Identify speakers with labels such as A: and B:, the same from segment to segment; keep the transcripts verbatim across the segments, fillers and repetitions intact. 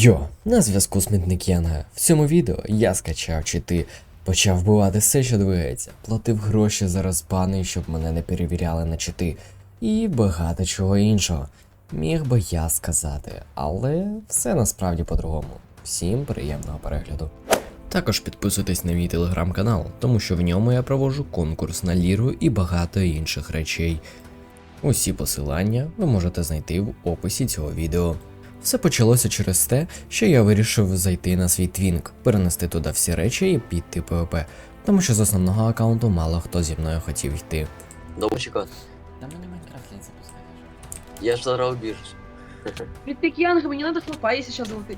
A: Йо, на зв'язку Смітник Янга. В цьому відео я скачав чити, почав вбивати все, що двигається, платив гроші за розбани, щоб мене не перевіряли на чити, і багато чого іншого. Міг би я сказати, але все насправді по-другому. Всім приємного перегляду. Також підписуйтесь на мій телеграм-канал, тому що в ньому я проводжу конкурс на ліру і багато інших речей. Усі посилання ви можете знайти в описі цього відео. Все почалося через те, що я вирішив зайти на свій твінк, перенести туди всі речі і піти ПВП, тому що з основного аккаунту мало хто зі мною хотів йти.
B: Довго чекати.
C: Да мне Майнкрафт лень запускать уже.
B: Я ж зараз убіжусь.
D: Притык Янга, мне надо флопа, если сейчас залетит.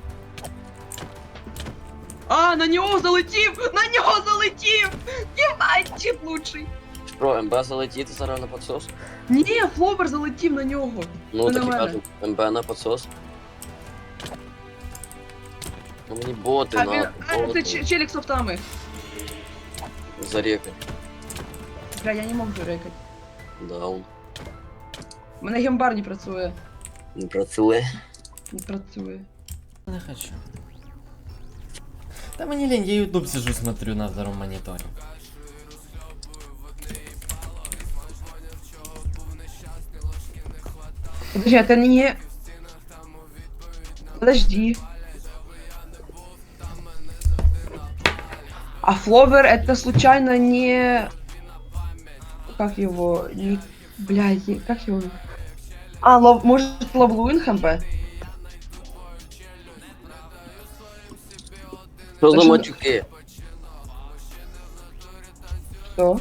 D: А, на него залетів! На него залетів! Ебать, чип лучший!
B: Що, МБ залетіти зараз на подсос?
D: Ні, флопер залетів на нього.
B: Ну
D: Ну,
B: так і
D: нормально.
B: кажу, МБ на подсос. Ну мені боти
D: А, він,
B: на
D: а це
B: боти.
D: ч- челік з софтами.
B: Зарекай.
D: Бля, я не можу рекати.
B: Даун.
D: У мене гембар не працює.
B: Не працює.
D: Не працює.
C: Не хочу. Да мне лень, я ютуб сижу, смотрю на втором мониторе.
D: Подожди, это не... Подожди. А фловер это случайно не... Как его? Не... Блядь, как его? А, лов... может Лавлуин ХМП?
B: Що за
D: Та що-
B: матюки?
D: Что?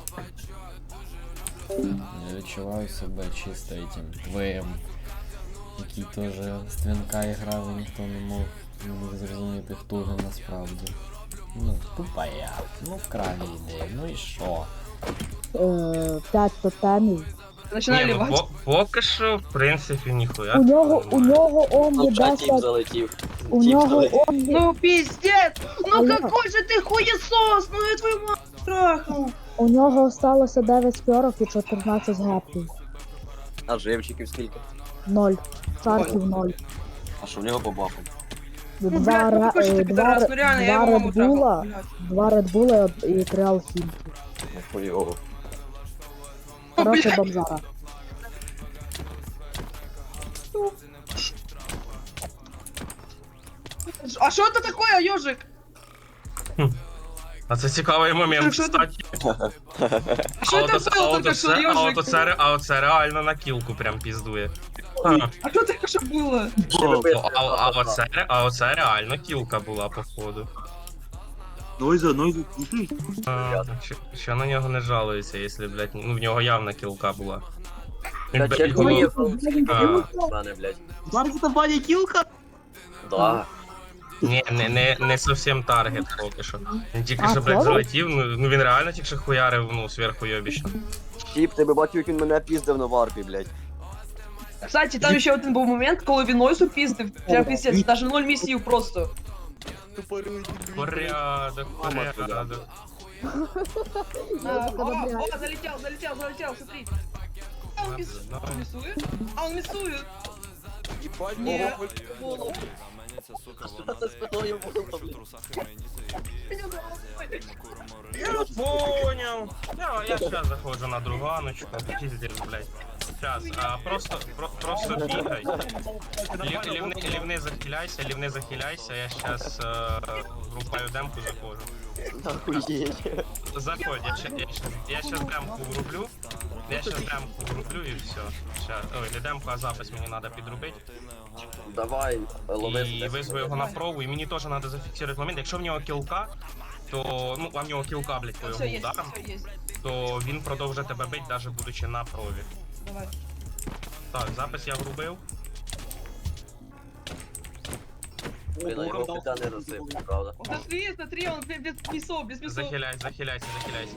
C: Я відчуваю себе чисто этим твоєм, який теж з твінка грав і ніхто не мог, не міг зрозуміти, хто він насправді. Ну, тупа я. Ну, вкрали ідею, ну і що?
E: Е, п'ять тотемів.
D: Начинаю
F: Ні, ну,
D: ливать.
F: по- поки що, в принципі, ніхуя.
E: У нього, у нього
B: Там
E: омні
B: вже тіп
E: десять,
B: залетів.
E: у
B: Тіп
E: нього
B: залетів.
E: омні,
D: Ну пиздец! Ну
E: Алло.
D: какой же ты хуесос! Ну я твою мать трахнул!
E: у нього осталося дев'ять спьорок і чотирнадцять гептів.
B: А живчиків скільки?
E: Ноль. Чарків ноль.
B: А що в нього по бафу?
D: Ну
E: Два,
D: блядь, ну
E: ре-
D: какой же
E: е,
D: ты
E: два,
D: пидорас,
E: ре-
D: ну реально, я
E: два
D: его маму трахал.
E: редбула,
D: блядь.
E: два редбула і три алхімки.
B: Хуйово.
E: Короче,
D: блядь.
E: бомжара.
D: А что это такое, ежик?
F: А це цікавий момент,
D: Що це?
F: кстати.
D: А что это
F: оце-
D: было
F: от
D: только что,
F: оце- а от
D: ежик?
F: оце ре- а оце реально на кілку прям піздує. А,
D: А что только что было?
F: ну, а, а, оце, ре- а оце реально кілка була, походу.
G: Нойза, нойза, слушай.
F: А, що, що на нього не жалується, якщо, блядь, ну в нього явно кілка була. Він,
B: Та
F: блядь,
B: чек
F: голову-
B: мені
F: А,
B: в мене, блядь.
G: Зараз це Ваня кілка?
B: Да.
F: Ні, не, не, не зовсім таргет поки що. Він тільки
E: А,
F: що, блядь,
E: правда?
F: залетів, ну, ну він реально тільки що хуярив, ну, зверху йобічно.
B: Тіп, тебе бачу, як він мене піздив на варпі, блядь.
D: Кстати, там еще один был момент, коли він Нойсу пиздив. Прям пиздец, даже ноль миссий просто.
F: Порядок, порядок.
D: А, о, о, залетел, залетел, залетел, смотри. А он мисс- он миссует? А он миссует? Не, голову.
B: Що це спиною було, блядь?
F: Я понял. Я, я сейчас захожу на друганочку. Пиздец, блядь. Сейчас, а, просто, про, просто бігай. Лів, лівни, лівни захиляйся, лівни захиляйся. Я сейчас э, врубаю демку, заходжу.
B: Нахуєть.
F: Заходь, я, ща- я, щас- я сейчас демку врублю. Я сейчас демку врублю и все. Сейчас. Ой, не демку, а запис мені треба підробити.
B: Давай, лови.
F: І визву його на прову, і мені теж треба зафіксувати момент. Якщо в нього кілка, то, ну, а в нього кілка, блядь, по його
D: Все есть,
F: ударам,
D: все есть.
F: то він продовжує тебе бити, навіть будучи на прові.
D: Давай.
F: Так, запис я врубив.
B: Блін, а його пита не розсипав, правда?
D: Вот смотри, смотри, он без, без мясов, без мясов.
F: Захиляй, захиляйся, захиляйся.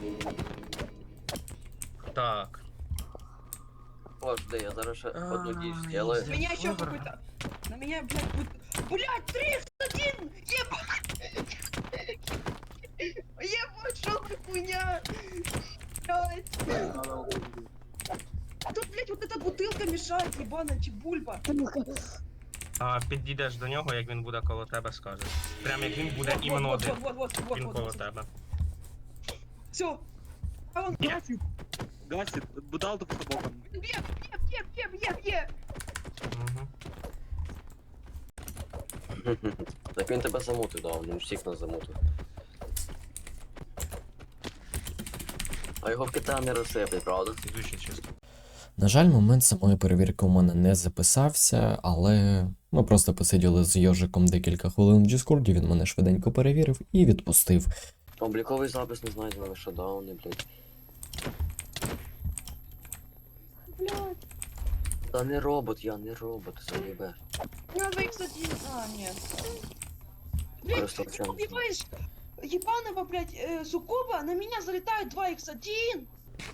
F: Так.
B: Пожди, я зараз ще одну дію зроблю.
D: На меня еще какой-то... На меня, блядь, будет... Блядь, тридцать один! Ебать! Ебать, что за хуйня? Блядь. Тут, блядь, вот эта бутылка мешает, ебаная чебульба.
F: А підійдеш до нього, як він буде коло тебе, скажеш. Прям як він буде іменно один.
D: Вот, вот, вот,
F: Він
D: вот,
F: коло
D: вот.
F: тебе.
D: Все. А он
F: Є.
G: Гасит. Гасит. Будал то по бокам.
D: бьет, бьет, бьет, бьет, бьет, бьет.
F: Угу.
B: Так він тебе замутив, да, він всіх нас замутив. А його в Китаї не розсиплять, правда?
F: Ідучи чисто.
A: На жаль, момент самої перевірки у мене не записався, але ми просто посиділи з Йожиком декілька хвилин в Діскорді, він мене швиденько перевірив і відпустив.
B: Обліковий запис не знайдено на шатдауни, блядь.
D: Блядь.
B: Та не робот, я не робот, заєбе.
D: Надо их один. А, нет. Блядь,
B: Просто
D: ты
B: в чём?
D: убиваешь ебаного, блядь, э, суккуба, на меня залетает два икс один.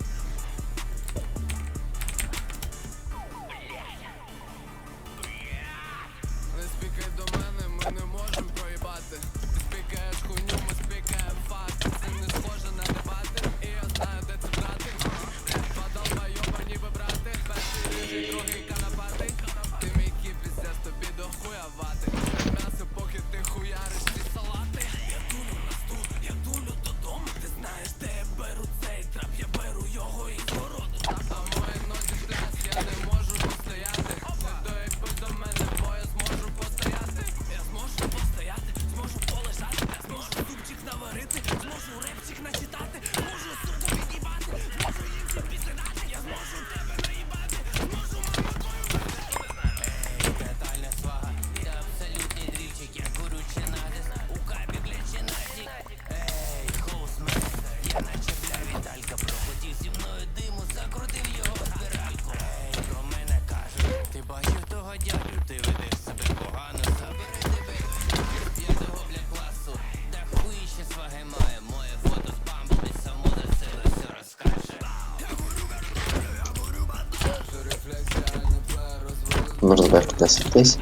H: Можна бачити десять тисяч.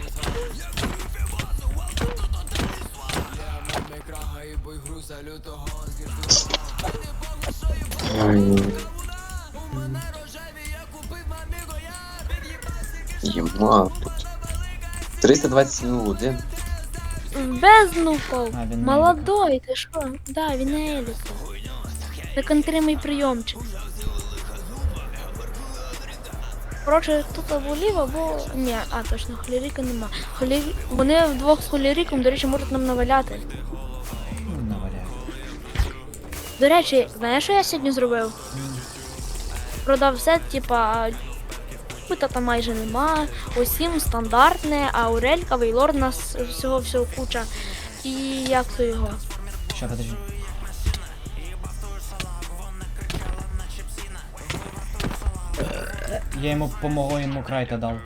H: Єма тут. триста двадцять один.
E: Бездну впав.
C: А, він
E: Молодой, ти що? Да, він не Еліса. Це контримий прийомчик. Коротше, тут або ліво, або... Ні, а точно, холіріка нема. Холі... Вони вдвох з холіріком, до речі, можуть нам наваляти.
C: Ну, наваляю.
E: До речі, знаєш, що я сьогодні зробив? Продав все, типа, кута там майже нема, усім стандартне, а Аурелька, Вейлор, у нас всього всього куча. І як то його?
C: Що, подожди. Я йому помогу, йому крайта дав.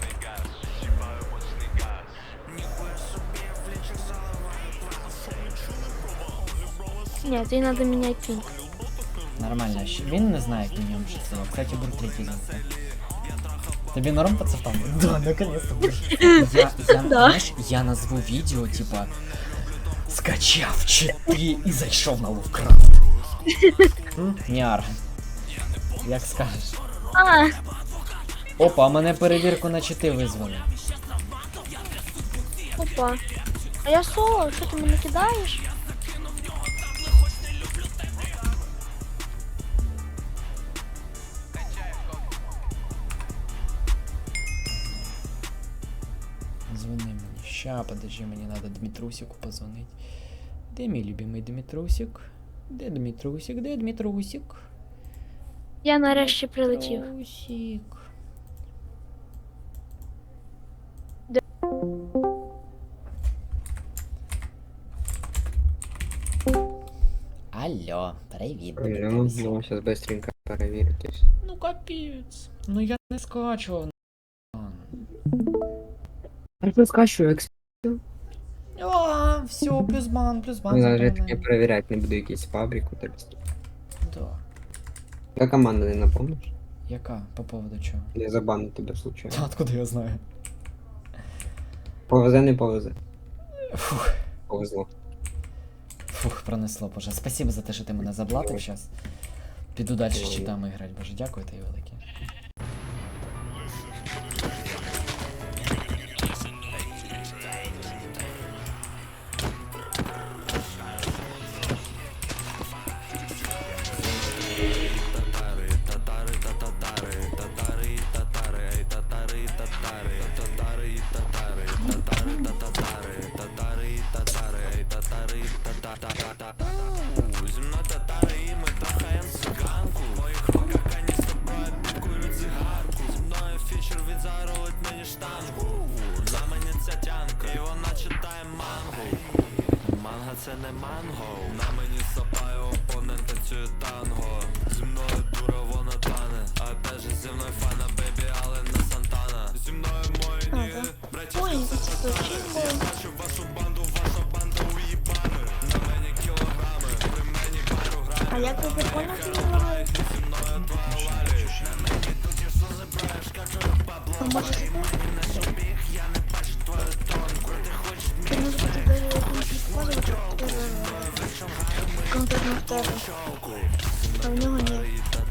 E: Ні, тобі треба міняти пінг.
C: Нормально. щ- Він не знає, як мінімум, що це. Кстати, бур третій завтра. Тобі норм пацапам? Да, наконец-то. Я, я, знаєш, я назву відео, типа, скачав чити і зайшов на Ловкрафт. Ніар. Як скажеш.
E: А,
C: Опа, а мене перевірку на чити визвали.
E: опа. А я соло, що ти мене кидаєш?
C: Звони мені. Ща, подожди, мені надо Дмитрусику позвонить. Де мій любимий Дмитрусик? Де Дмитрусик? Де Дмитрусик?
E: Я нарешті прилетів.
C: Дмитрусик.
E: Де?
C: Алло, привіт.
I: Ну,
C: Дмитрусик.
I: ну, сейчас быстренько проверитесь.
C: Ну капець. Ну я не скачував.
I: А я скачу, екс.
C: А, все, плюс бан, плюс бан.
I: Навіть я
C: заповнений.
I: проверять не буду якісь фабрику, так.
C: Да.
I: Яка команда, не напомниш?
C: Яка? По поводу чого?
I: Я забаню тебе случайно.
C: Та откуда я знаю?
I: Повезе, не повезе.
C: Фух,
I: Повезло.
C: фух, пронесло, боже. Спасибо за те, що ти мене заблатив зараз. Піду далі з читами грати, боже, дякую тобі велике.
E: Ой, це А як ви прикольно знімали? А може це? Ти може бути даже якимось відходом, конкретно в тебе. А в нього ні.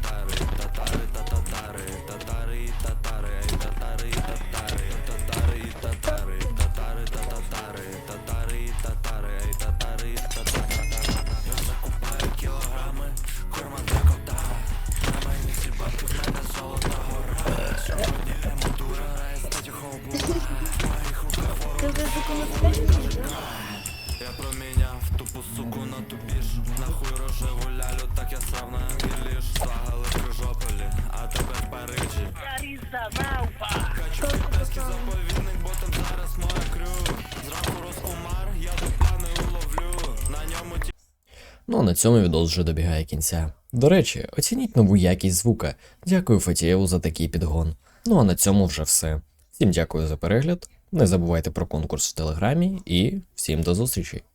E: Ти вже законодавчий?
A: Ну а на цьому відос вже добігає кінця. До речі, оцініть нову якість звука. Дякую Фатієву за такий підгон. Ну а на цьому вже все. Всім дякую за перегляд. Не забувайте про конкурс в телеграмі і всім до зустрічі!